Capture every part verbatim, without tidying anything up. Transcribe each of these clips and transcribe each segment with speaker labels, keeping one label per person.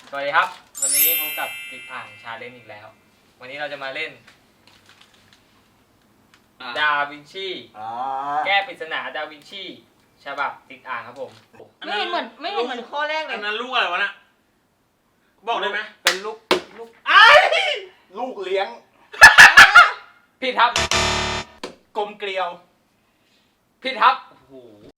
Speaker 1: สวัสดีครับวันนี้พบกับติดอ่างชาเลนจ์อีกแล้ววันนี้เราจะมาเล่นดาวินชีแก้ปริศนาดาวินชีฉบับติดอ่างครับผม
Speaker 2: ไม่เห็นเหมือนไม่เห็นเหมือนข้อแรกเลย
Speaker 3: อันนั้นลูกอะไรวะน่ะบอกได้ไหม
Speaker 1: เป็นลูกลูก
Speaker 3: ไอ้
Speaker 4: ลูกเลี้ยง
Speaker 1: พี่ทับ
Speaker 4: กลมเกลียว
Speaker 1: พี่ทับโอ้โห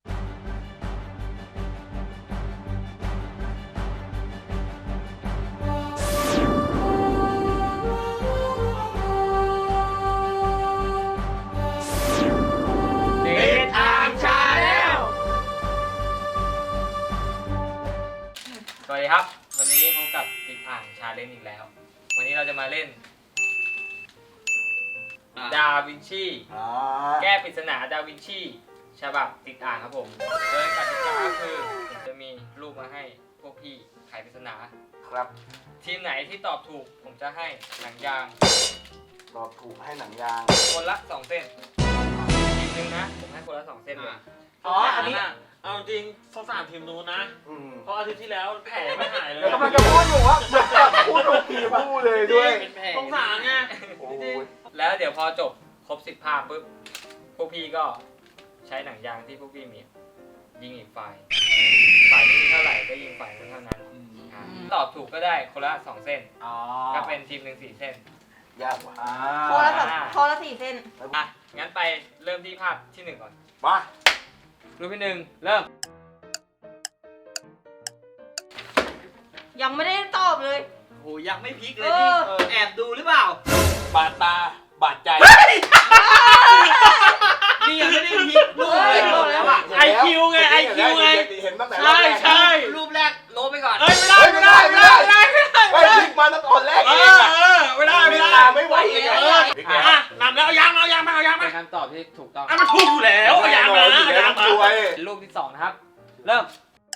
Speaker 1: สวัสดีครับวันนี้พบกับติดอ่างชาเลนจ์อีกแล้ววันนี้เราจะมาเล่นดาวินชีแก้ปริศนาดาวินชีฉบับติดอ่างครับผมโดยกติกาคือผมจะมีรูปมาให้พวกพี่ไขปริศนา
Speaker 4: ครับ
Speaker 1: ทีมไหนที่ตอบถูกผมจะให้หนังยาง
Speaker 4: ตอบถูกให้หนังยาง
Speaker 1: คนละสองเส้นทีมนึงนะผมให้คนละสองเส้นเลย
Speaker 3: อ๋ออันนี้เอาจริงสงสารทีมนู้นนะเพราะอาทิตย์ที่แล้วแผลไม่หายเลย
Speaker 4: กำลังจะพูดอยู่ว่าพูดถูกทีพูดเลยด้วย
Speaker 3: สงสารไง
Speaker 1: แล้วเดี๋ยวพอจบครบสิบภาพปุ๊บพวกพี่ก็ใช้หนังยางที่พวกพี่มียิงอีกฝ่ายฝ่ายนี้เท่าไหร่ก็ยิงฝ่ายนั้นเท่านั้นตอบถูกก็ได้คนละสองเส้นก็เป็นทีมหนึ่งสี่เส้น
Speaker 4: ยากกว่า
Speaker 2: ข้อละสองข้อละสี่เส้น
Speaker 1: อ่ะงั้นไปเริ่มที่ภาพที่หนึ่งก่อน
Speaker 4: มา
Speaker 1: รูปที่หนึ่งเริ่ม
Speaker 2: ยังไม่ได้ตอบเลย
Speaker 3: โหยังไม่พลิกเลยนี่แอบดูหรือเปล่า
Speaker 4: บาดตาบาดใจ
Speaker 3: นี่ยังไม่ได้พลิกรูปเลยแล้วอ่ะไอคิวไงไอคิวไงใช่ใช่
Speaker 1: รูปแรกโลไปก่อน
Speaker 3: เอ้ยไม่ได้ไม่ได้ไม่ได้ไม่ได้
Speaker 4: ไม่พลิกมาตั้งตอนแรกเอง
Speaker 3: ไม่ได้ไม่ได้
Speaker 4: ไม่ไหวเอง
Speaker 3: อ่ะนำแล้วเอายางเอายางมาเอายางมา
Speaker 1: เป็นคำตอบที่ถูกต้อง
Speaker 3: อ่ะมันถูกอยู่แล้วเอายางมาเอายางมา
Speaker 1: รูปที่สองนะครับเริ่ม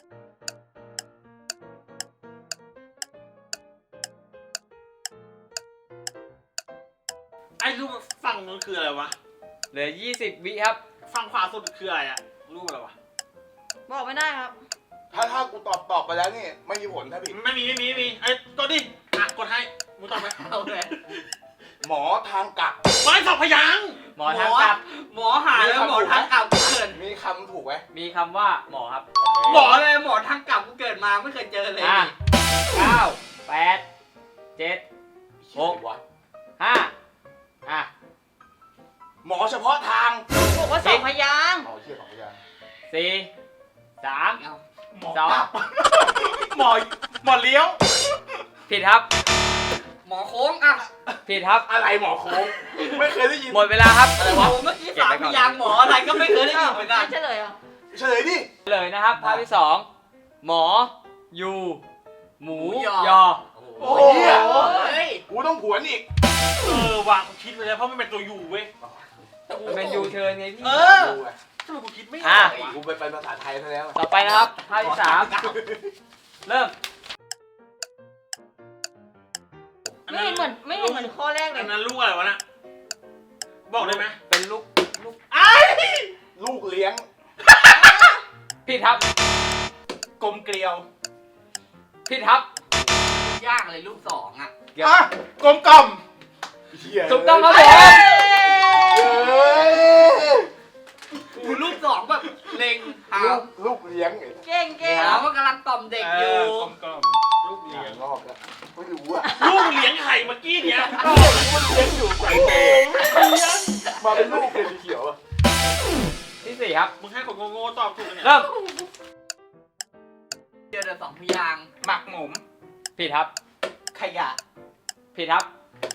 Speaker 3: ไอ้รูปฝั่งนู้นคืออะไรวะ
Speaker 1: เหลือยี่สิบวิครับ
Speaker 3: ฝั่งขวาสุดคืออะไรอะรูปอะไรวะ
Speaker 2: บอกไม่ได้ครับ
Speaker 4: ถ้าถ้ากูตอบตอบไปแล้วนี่ไม่มีผลถ้าผิด
Speaker 3: ไม่มีไม่มีไม่มีไอ้กดดิอ่ะกดให้มึงตอบไหม
Speaker 1: เอาเลย
Speaker 4: หมอทางกลับ
Speaker 3: ไม่สองพยาง
Speaker 1: หมอทางกลับ
Speaker 3: หมอหาแล้วหมอทางกลับเกิด
Speaker 4: มีคำถูกไหม
Speaker 1: มีคำว่าหมอครับ
Speaker 3: หมอเลยหมอทางกลับกูเกิดมาไม่เคยเจอเลย
Speaker 1: เก้าแปดเจ็ดหกห้าอ่ะ
Speaker 4: หมอเฉพาะทาง
Speaker 2: บอกว่าสองพยาง
Speaker 4: หมอเชื่อสองพยาง
Speaker 1: สี่สามสอง
Speaker 3: หมอหมอเลี้ยว
Speaker 1: ผิดครับ
Speaker 3: หมอโค้งอ่ะ
Speaker 1: ผิดครับ
Speaker 4: อะไรหมอโค้งไม่เคยได้ยิน
Speaker 1: หมดเวลาครับอะไรวะ
Speaker 3: เมื่อกี้สามพยางหมออะไรก็ไม่เคยได้ยินเหมือนกัน
Speaker 2: เฉลยอ่ะ
Speaker 4: เฉลยดิ
Speaker 1: เฉลยนะครับภาพที่สองหมอยูหมูยอ
Speaker 4: โอ้ยกูต้องผวนอีก
Speaker 3: เออวางคิดไปแล้วเพราะมันเป็นตัวยูเว้ย
Speaker 1: มันเป็นยูเทิร์นไงพี่
Speaker 3: เออทำไมกูคิดไม่ออก
Speaker 4: กูไปเป็นภาษาไทยซะแล้ว
Speaker 1: ต่อไปนะครับภาพที่สามเริ่ม
Speaker 2: ไม่เห็นเหมือนไม่เห็นเหมือนข้อแรกเลย
Speaker 3: อันนั้นลูกอะไรวะน่ะบอกได้ไหม
Speaker 1: เป็นลูกลูก
Speaker 3: ไอ้
Speaker 4: ลูกเลี้ยง
Speaker 1: พี่ทับ
Speaker 4: กลมเกลียว
Speaker 1: พี่ทับ
Speaker 3: ยากเลยลูกสองอ่ะ
Speaker 4: อ่ะกลมกล่อม
Speaker 1: ถูกต้องครับผม
Speaker 3: คือลูกสองแบบเล็ง
Speaker 4: ลูกลูกเลี้ยง
Speaker 2: เก่งเก่ง
Speaker 3: แล้วมันกำลังต่อมเด็กอยู่
Speaker 4: กลมกล่อมลูกเลี้ยงรอบแล้วไม่รู้อ่ะ
Speaker 3: ลูกเลี้ยงไข่เมื่อกี้เนี้ย
Speaker 4: มันเลี้ยงอยู่ใส่เกงมาเป็นลูกเป็นเขียวอ่ะ
Speaker 1: ที่สี่ครับ
Speaker 3: มึงให้คนโง่ๆตอบถูกเนี่ย
Speaker 1: เริ่ม
Speaker 3: เจอแต่สองพยางหมักหมม
Speaker 1: ผิดครับ
Speaker 3: ขยะ
Speaker 1: ผิดครับ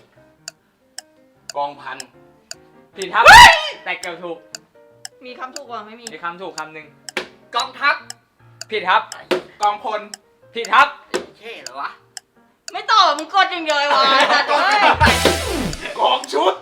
Speaker 4: กองพัน
Speaker 1: ผิดครับแต่เกือบถูก
Speaker 2: มีคำถูกกว่าไม่มี
Speaker 1: มีคำถูกคำหนึ่ง
Speaker 3: กองทัพ
Speaker 1: ผิดครับ
Speaker 4: กองพล
Speaker 1: ผิดครับ
Speaker 3: เท่เหรอวะ
Speaker 2: ไม่ตอบมึงกดอย่างเดียววะ
Speaker 4: กองชุด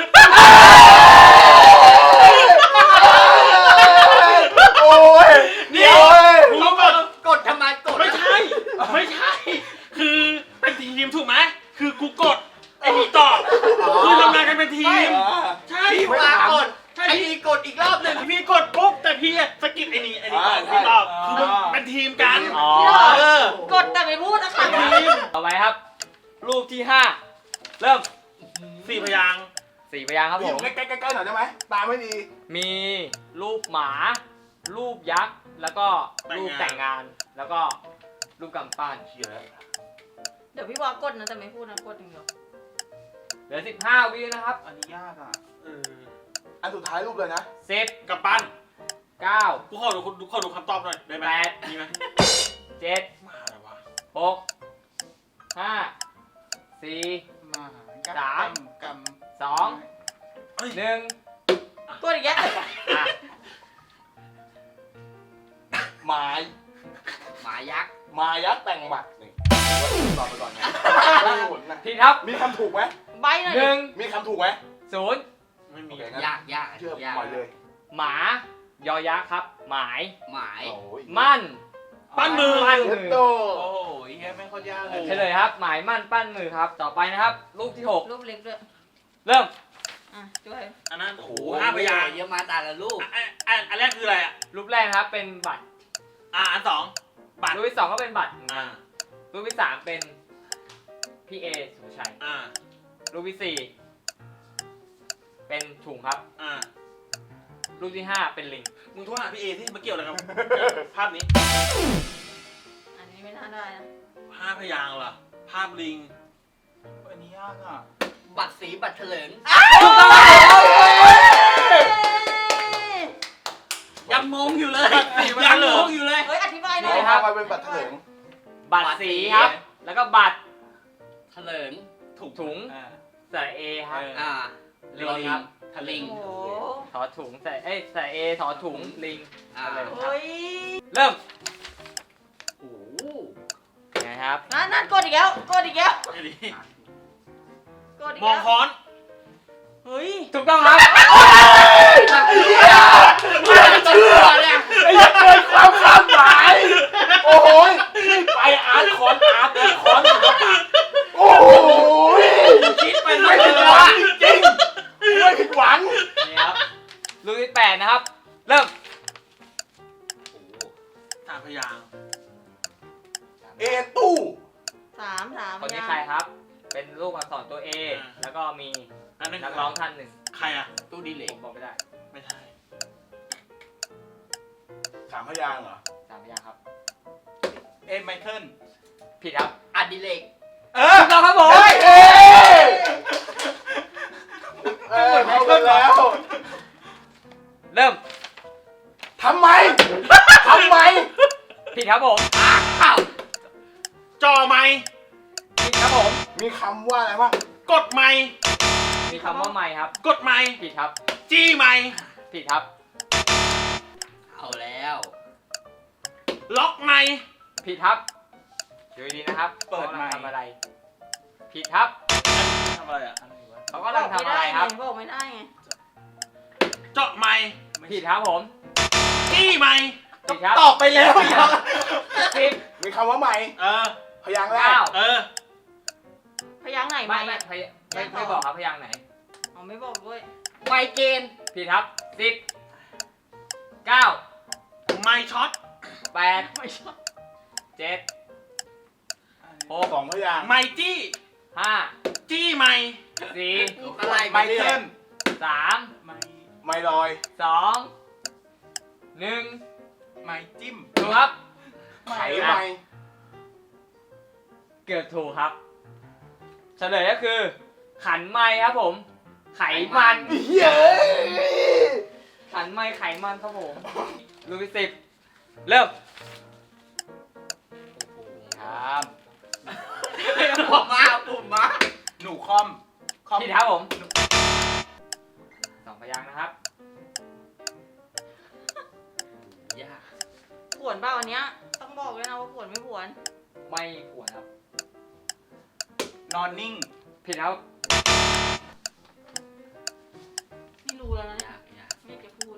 Speaker 4: โอ้ย
Speaker 3: เดี๋ยวมึงกดกดทำไมกดไม่ใช่ไม่ใช่คือเป็นทีมถูกไหมคือกูกดไอ้นี่ตอบคือทำงานกันเป็นทีมใช่พี่มากดไอ้นี่กดอีกรอบหนึ่งพี่กดปุ๊บแต่พี่สกิปไอ้นี่ไอ้นี่ตอบพี่ตอบคือมันเป็นทีมกัน
Speaker 2: กดแต่ไม่พูดนะคะ
Speaker 3: ทีม
Speaker 1: ต่อไปครับ รูปที่ห้าเริ่ม
Speaker 3: สี่พยางค์
Speaker 1: สี่พยางค์ครับ
Speaker 4: อ
Speaker 1: ผ
Speaker 4: ยู่
Speaker 1: ม
Speaker 4: ใกล้ๆๆหน่อยได้ไหมตาไม่ดี
Speaker 1: มีรูปหมา รูปยักษ์ แล้วก็รูปแต่งงาน แล้วก็รูปกำปั้น
Speaker 4: เชี่ยแล้ว
Speaker 2: เดี๋ยวพี่วากดนะแต่ไม่พูดนะกดอย่างเดียว
Speaker 1: เหลือสิบห้าวินะครับ
Speaker 3: อันนี้ยากอ่ะเออ
Speaker 4: อันสุดท้ายรูปเลยนะ
Speaker 1: สิบ
Speaker 3: กับปั้น
Speaker 1: เก้า
Speaker 3: กูขอดูกูขอดูคำตอบหน่อยได้ไหม
Speaker 1: แปด
Speaker 3: มีไหม
Speaker 1: เจ็ด
Speaker 3: มาอะไรวะ
Speaker 1: หกห้าสี่
Speaker 5: มา
Speaker 1: สาม
Speaker 5: ก
Speaker 1: สองหนึ่ง
Speaker 2: กดอีกแล้ว
Speaker 1: อ่ะ
Speaker 4: ไม้
Speaker 5: หมายักษ์
Speaker 4: ไม้ยักษ์แต่งบัตรนี่ตอบไปก่อนไงไม่มีผลนะ
Speaker 1: ผิดครับ
Speaker 4: มีคำถูกไหม
Speaker 2: ใบหน่อย
Speaker 1: ห
Speaker 2: ดิ
Speaker 1: นึ่ง
Speaker 4: มีคำถูกไหม
Speaker 1: ศูนย์
Speaker 3: ไม่มี
Speaker 4: โอเคงั้น
Speaker 5: ยากยาก
Speaker 4: เชื่อย
Speaker 5: าก
Speaker 4: ปล่อยเลย
Speaker 1: หมายอยักษ์ครับ หมาย
Speaker 5: หมาย
Speaker 4: โอ้ย
Speaker 1: มั่น
Speaker 3: ปั้นมือ
Speaker 1: ปั้น
Speaker 4: เย็
Speaker 1: มื
Speaker 4: ด
Speaker 1: อ
Speaker 4: โต
Speaker 5: โอ้โหเฮียไม่ค่อยยากเลย
Speaker 1: เฉลยครับ หมายมั่นปั้นมือครับ ต่อไปนะครับ รูปที่หก
Speaker 2: รูปเล็กด้วย
Speaker 1: เริ่ม
Speaker 2: อ่ะช่วย
Speaker 3: อันนั้นโอ้โห
Speaker 5: โอ้
Speaker 3: ห้าพยางค์
Speaker 5: เยอะมาแต่ละลูก
Speaker 3: อ่ะอันอันอันแรกคืออะไรอ่ะ
Speaker 1: รูปแรกนะครับเป็นบัตร
Speaker 3: อ่ะอันสองบัตร
Speaker 1: รูปที่สองก็เป็นบัตร
Speaker 3: อ่า
Speaker 1: รูปที่สามเป็นพี่เอสุภชัย
Speaker 3: อ่า
Speaker 1: รูปที่สี่เป็นถุงครับ
Speaker 3: อ่า
Speaker 1: รูปที่ห้าเป็นลิง
Speaker 3: มึงโทรหาพี่เอที่มาเกี่ยวอะไรกับภาพนี้
Speaker 2: อันนี้ไม่น่าได้นะ
Speaker 3: ห้าพยางค์เหรอภาพลิง
Speaker 5: อันนี้ยากอ่ะ บัตรสีบัตรเถลิง ยังงงอยู่เลย ยังงงอยู่เลย
Speaker 2: เฮ้ยอธิบายหน่
Speaker 4: นี่
Speaker 2: อย
Speaker 4: ครับมาเป็นบัตรเถลิง
Speaker 1: บัตรสีครับ แล้วก็บัตร
Speaker 5: เถลิง
Speaker 1: ถุงถุง
Speaker 3: อ่า
Speaker 1: ใส่เอครับ
Speaker 3: เออ
Speaker 5: อ่า
Speaker 1: ลิงครับ
Speaker 5: ทลิง
Speaker 2: โอ้โห
Speaker 1: ถอถุงใส่เอ้ยใส่เอถอถุงลิง
Speaker 5: อ่า
Speaker 1: อะไร
Speaker 2: เฮ้ย
Speaker 1: เริ่ม
Speaker 5: โอ้โห
Speaker 1: ไงครับ
Speaker 2: นั่นนั่นกดอีกแล้วกดอีกแล้ว
Speaker 3: ไอ้นี่
Speaker 2: กดอีก
Speaker 3: มอง
Speaker 2: แล้ว
Speaker 3: ค้อน
Speaker 2: เฮ้ย
Speaker 1: ถูกต้องครับ
Speaker 4: เชื่อเนี่ยไอ้ยักษ์เกินความคาดหมาย โอ้โหนี่ไปอาร์ตคอนอาร์ตคอนโอ้โห
Speaker 1: คิดไป
Speaker 4: ไม่
Speaker 1: ไม่
Speaker 4: ผิ
Speaker 1: ถึ
Speaker 4: ด
Speaker 1: ง
Speaker 4: หวั
Speaker 1: ว่าง
Speaker 4: จริงไม่ผิดหวัง
Speaker 1: นี่ครับรูปที่แปดนะครับ เริ่ม
Speaker 3: สามพยางค์
Speaker 4: เอตู้
Speaker 2: สามสาม
Speaker 1: คนนี้
Speaker 2: ยัง
Speaker 1: ใครครับ เป็นรูปอักษรตัว A แล้วก็มี
Speaker 3: อันนั้น
Speaker 1: นักร้องท่านหนึ่ง
Speaker 3: ใครอ่ะ
Speaker 5: ตู้ดีเหล็
Speaker 1: ผ
Speaker 5: ก
Speaker 1: มบอกไม่ได้
Speaker 3: ไม่ใช่
Speaker 4: สามพยางค์เหรอ
Speaker 1: สามพยางค์ครับ
Speaker 5: เอ็มไมเคิล
Speaker 1: ผิดครับ
Speaker 5: อดิเลก
Speaker 4: เออ
Speaker 1: ถูกต้องครับผม
Speaker 4: เฮ้ยเอเออเข้ากันแล้ว
Speaker 1: เริ่ม
Speaker 4: ทำไมทำไม
Speaker 1: ผิดครับผม
Speaker 5: อ้าว
Speaker 3: จอไม้
Speaker 1: ผิดครับผม
Speaker 4: มีคำว่าอะไรบ้าง
Speaker 3: กดไม้
Speaker 1: มีคำว่าไม่ครับ
Speaker 3: กดไม้
Speaker 1: ผิดครับ
Speaker 3: จี้ไม้
Speaker 1: ผิดครับ
Speaker 5: เอาแล้ว
Speaker 3: ล็อกไม้
Speaker 1: ผิดครับดูดีๆนะครับ
Speaker 5: เปิดไมค์
Speaker 1: ขากำลังทำอะไร ผิดครับ
Speaker 3: ทำอะไรอ่ะ
Speaker 1: เขากำลังทำอะไรครับ
Speaker 2: บอกไม่ได้ไง
Speaker 3: เจาะไม้
Speaker 1: ผิดครับผม
Speaker 3: จี้ไม้
Speaker 1: ผิดครับ
Speaker 4: ตอบไปแล้ว
Speaker 1: สิบ
Speaker 4: มีคำว่าใหม่
Speaker 3: เออ
Speaker 4: พยางค์แรก
Speaker 1: เก้า
Speaker 3: เออ
Speaker 2: พยางค์ไหน
Speaker 1: ไม่
Speaker 2: ไม่
Speaker 1: ไม่พยไม่ไม่บอกครับพยางค์ไหน
Speaker 2: อ๋อไม่บอกด้วย
Speaker 5: ไมเกน
Speaker 1: ผิดครับสิบเก้า
Speaker 3: ไม้ช็อต
Speaker 1: แปด
Speaker 2: ไม่ชอบ
Speaker 1: เจ็ดหก
Speaker 4: สองพยางค์
Speaker 3: ไม้จี้
Speaker 1: ห้า
Speaker 3: จี้ไม้
Speaker 1: สี่
Speaker 5: อะไร
Speaker 4: ไมเคิล
Speaker 1: สาม
Speaker 5: ไม
Speaker 4: ไมลอย
Speaker 1: สองหนึ่ง
Speaker 5: ไมจิ้ม
Speaker 1: ถูกครับ
Speaker 4: ไขไม
Speaker 1: เกือบถูกครับ เฉลยก็คือ ขันไม้ครับผม ไขมัน
Speaker 4: เฮ้ย
Speaker 1: ขันไม้ไขมันครับผมรูปที่สิบเริ่มครับ
Speaker 5: ผมมาผมมาหนูคอมคอม
Speaker 1: ผิดครับผมสองพยางค์นะครับ
Speaker 5: ยาก
Speaker 2: ผวนเปล่าอันเนี้ยต้องบอกด้วยนะว่าผวนไม่ผวน
Speaker 1: ไม่ผวนครับ
Speaker 5: นอนนิ่ง
Speaker 1: ผิดครับ
Speaker 2: ไม่รู้แล้วนะเนี่ย
Speaker 5: ยากยาก
Speaker 2: ไม่จะพูด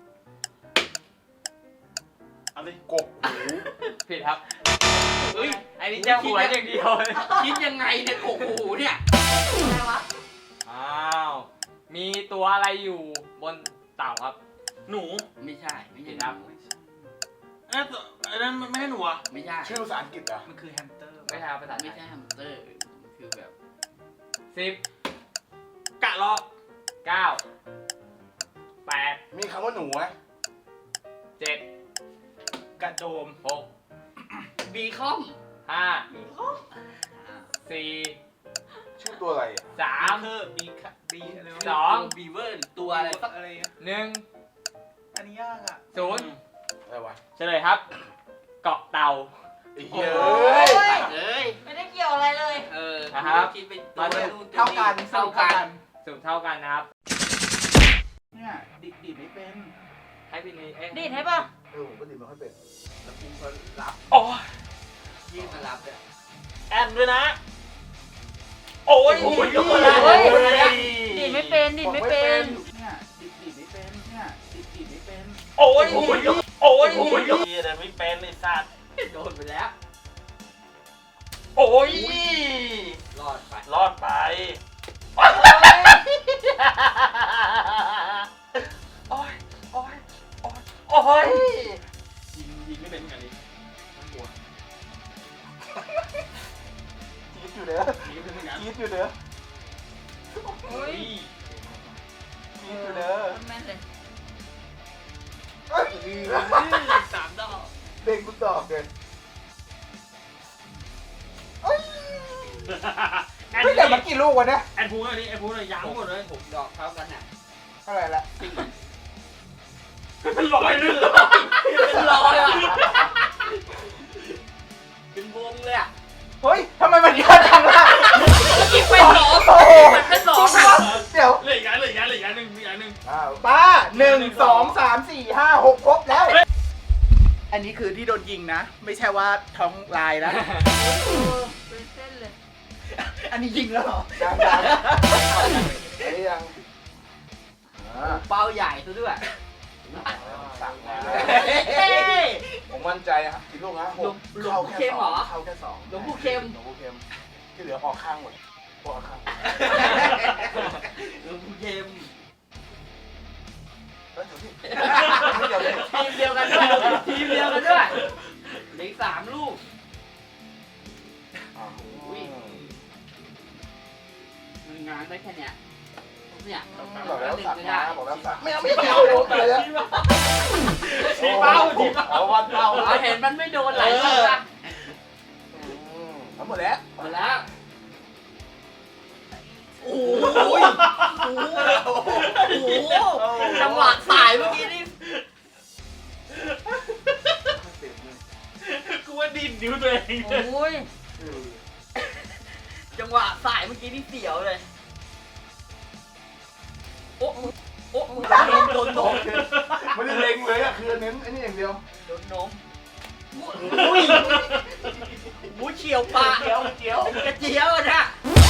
Speaker 3: เอาดิ
Speaker 4: กบหู
Speaker 1: ผิดครับ
Speaker 5: เฮ้ย
Speaker 1: อันนี้จะหัวอย่างเดียวเลย
Speaker 5: คิดยังไงเนี่ยโอ้โหเนี่ย
Speaker 2: อะไรวะ
Speaker 1: อ้าว มีตัวอะไรอยู่บนเต่าครับ
Speaker 3: หนู
Speaker 5: ไม่ใช่ไม่ใช่
Speaker 1: ครับ
Speaker 3: อันนั้นอันนั้นไม่ให้หนูอ่ะ
Speaker 5: ไม่ใช่
Speaker 4: ชื่อภาษาอังกฤษเหรอ่ะ
Speaker 5: มันคือแฮมสเตอร์
Speaker 1: ไม่ใช่ภาษาไท
Speaker 5: ไม่
Speaker 1: ย
Speaker 5: ใช่แฮมสเตอร์คือแบบ
Speaker 1: สิบ
Speaker 3: กะลอก
Speaker 1: เก้าแปด
Speaker 4: มีคำว่าหนูไหม
Speaker 1: เจ็ด
Speaker 3: กระโดม
Speaker 1: หก
Speaker 5: บีคอม
Speaker 1: ห้า
Speaker 5: อ่า
Speaker 1: สี่
Speaker 4: ชื่อตัวอะไรอ่ะ
Speaker 1: สาม
Speaker 3: เธอบีค่ะบีอะไรวะ
Speaker 1: สอง
Speaker 5: บีเวอร์ตัวอะไรสัก
Speaker 3: อะไรอะ
Speaker 1: หนึ่ง
Speaker 3: อันนี้ยากอ่ะ
Speaker 1: ศูนย์
Speaker 4: อะไรวะ
Speaker 1: เฉลยครับ เกาะเต่า
Speaker 4: ไอ้เหี้ย
Speaker 2: โอ้
Speaker 4: เอ้ย
Speaker 2: ย
Speaker 5: เอ้ย
Speaker 2: ไม่ได้เกี่ยวอะไรเลย
Speaker 5: เออ
Speaker 1: นะครับ
Speaker 5: คิดไป
Speaker 1: มาดู
Speaker 5: เท่ากันเท่ากัน
Speaker 1: สูงเท่ากันนะครับ
Speaker 3: เนี่ยดิดดิดไม่เป็น
Speaker 1: ให้พี่นี้เอ๊ะ
Speaker 2: ดีดให้ป่ะ
Speaker 4: เออผมก็ดีไม่ค่อยเป็น
Speaker 5: แล้วกูก็รับ
Speaker 3: โอ้ย
Speaker 5: ยื่นมารับเลย
Speaker 3: แอนด้วยนะ โอ้ย
Speaker 1: โอ้ย
Speaker 3: โอ้
Speaker 2: เฮ้ย
Speaker 3: ย
Speaker 2: ดีดไม่เป็นดีดไม่เป็น
Speaker 3: เนี่ยดิดดิดไม่เป็นเนี่ยดิดดิดไม่เป็น
Speaker 1: โอ้ย
Speaker 3: โอ้ยโอ้ยโอ้ยแต่ไม่เป็นไอ้สัตว์
Speaker 5: โดนไปแล้ว
Speaker 3: โอ้ย
Speaker 5: รอดไป
Speaker 3: รอดไปโอ้ยโอ้ยโอ้ยโอ้ยยิงยิงไม่เป็นเหมือนกันดิมันหัว
Speaker 4: จี๊ดอยู่เด้อ
Speaker 3: ยิงไม่เป็นเหมือนกัน
Speaker 4: จี๊ดอยู่เด้อ
Speaker 2: โอ้ย
Speaker 4: จี๊ดอยู่เด้อ
Speaker 2: แม่นเลย
Speaker 4: เอ้ย
Speaker 5: สามดอก
Speaker 4: เด้งกูตอบเลย
Speaker 3: แอน
Speaker 4: ไม่แต่มากี่ลูกวะเนี่ย
Speaker 3: แอนพูดอันนี้แอนพูดเลยยางหมดเลย
Speaker 5: ผมดอกเท่ากันอ่ะ
Speaker 4: เท่าไหร่ละ
Speaker 3: เป็นรอยเลย
Speaker 5: เป็นรอยอ่ะเป็นวงเลยอ่ะ
Speaker 4: เฮ้ยทำไมมันเยอะจังล่ะ
Speaker 5: กินไปสอง
Speaker 4: โอ้โห
Speaker 5: มันเป็นสอง
Speaker 4: เดี๋ยว
Speaker 3: เหลืออีกอันเหลืออีกอันเหลืออีกอันหนึ่งมีอันหนึ่ง
Speaker 4: อ้าวป้าหนึ่งสองสามสี่ห้าหกครบแล้ว
Speaker 5: อันนี้คือที่โดนยิงนะ ไม่ใช่ว่าท้องลายนะ
Speaker 2: เออเป็นเส้นเลย
Speaker 5: อันนี้ยิงแล้วเหรอ
Speaker 4: ยังยังไอ้ยังอ่า
Speaker 5: เป้าใหญ่ซะด้วย
Speaker 4: สั่งมา
Speaker 5: เฮ้ย
Speaker 4: ผมมั่นใจครับกี่ลูกนะหก
Speaker 5: หลวง
Speaker 4: เข้า
Speaker 5: ปู่
Speaker 4: แค่
Speaker 5: เข้ม
Speaker 4: ส
Speaker 5: เหร
Speaker 4: อง
Speaker 5: อ
Speaker 4: เข้าแค่สอง
Speaker 5: หลวงปู่เข้ม
Speaker 4: หลวงปู่เข้มที่เหลือออกข้างหมดออกข้าง
Speaker 5: หลวงปู่เข้ม
Speaker 4: เฮ้ยเดี๋ยวพี่ไม่เดี๋ยวพี่
Speaker 5: ทีมเดียวกันด้วยทีมเดียวกันด้วยเหลืออกสามลูก
Speaker 4: อ่า
Speaker 5: อุ้ย มันงานได้แค่เนี้ยเนี่ย
Speaker 4: บอกแล้วสั่ง
Speaker 5: ไม่
Speaker 4: มา
Speaker 5: ได้
Speaker 4: บอกแล้วสั่งไม่เอาไม่เอาโดนไปแล้ว
Speaker 3: ชี้เป้าชี้เป้า
Speaker 4: เอาวันเป้า
Speaker 5: เอาเห็นมันไม่โดนหลายทีละ
Speaker 4: อืมเอาหมดแล้ว
Speaker 5: หมดแล้วโอ้ยโอ้โหจังหวะสายเมื่อกี้นี่
Speaker 3: กูว่าดินนิ้วตัวเอง
Speaker 2: โอ้ย
Speaker 5: จังหวะสายเมื่อกี้นี่เสียวเลยโอ้โอ้โดนโดนโดน
Speaker 4: ไม่ได้เล็งเลยอะคือเน้นไอ้นี่อย่างเดียว
Speaker 5: โดนนมอุ้ยบูเฉียวปากเจียวเจียวกระเจียวอะนะ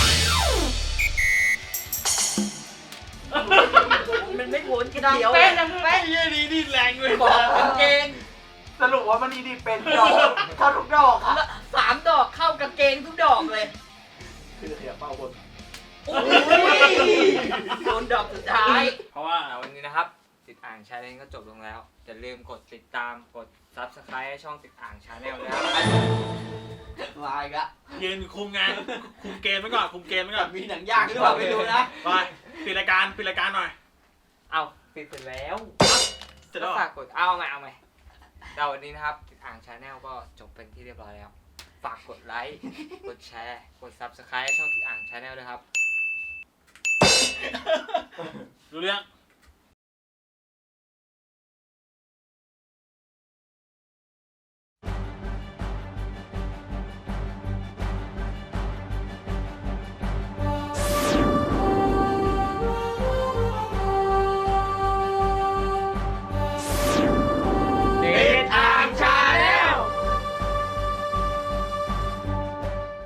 Speaker 5: มันไม่พ้นกระ
Speaker 2: ดัง
Speaker 5: เจียว
Speaker 2: เป๊ะดังเป๊ะ
Speaker 3: ไอ้เหี้ยนี่ดินแรงเลย
Speaker 5: บอกกางเกง
Speaker 4: สรุปว่ามันนี่ดีเป็นดอกเข้าทุกดอกค่ะ
Speaker 5: แล้วสามดอกเข้ากางเกงทุกดอกเลย
Speaker 4: คือเขียเป้าบน
Speaker 5: โอ้ยโดนดอกสุดท้าย
Speaker 1: เพราะว่าวันนี้นะครับ ติดอ่างชาแนลก็จบลงแล้วอย่าลืมกดติดตามกด ซับสไครบ์ให้ช่องติดอ่างชาแนลนะครับ
Speaker 5: ลายกะ
Speaker 3: ยืนคุมงานคุมเกมไว้ก่อนคุมเกมไว้ก่อน
Speaker 5: มีหนังยางหรือเปล่าไม่รู้นะ
Speaker 3: ไปปิดรายการปิดรายการหน่อย
Speaker 1: เอาปิดเสร็จแล้ว
Speaker 3: เสร็จ
Speaker 1: ก็
Speaker 3: แล้วเหร
Speaker 1: ฝา
Speaker 3: อก
Speaker 1: กดเอาใหม่เอาใหม่เราวันนี้นะครับติดอ่างชาแนลก็จบเป็นที่เรียบร้อยแล้ว ฝากกดไลค์กดแชร์กด ซับสไครบ์ให้ช่องติดอ่างชาแนลด้วยครับ
Speaker 3: รู้เรื่อง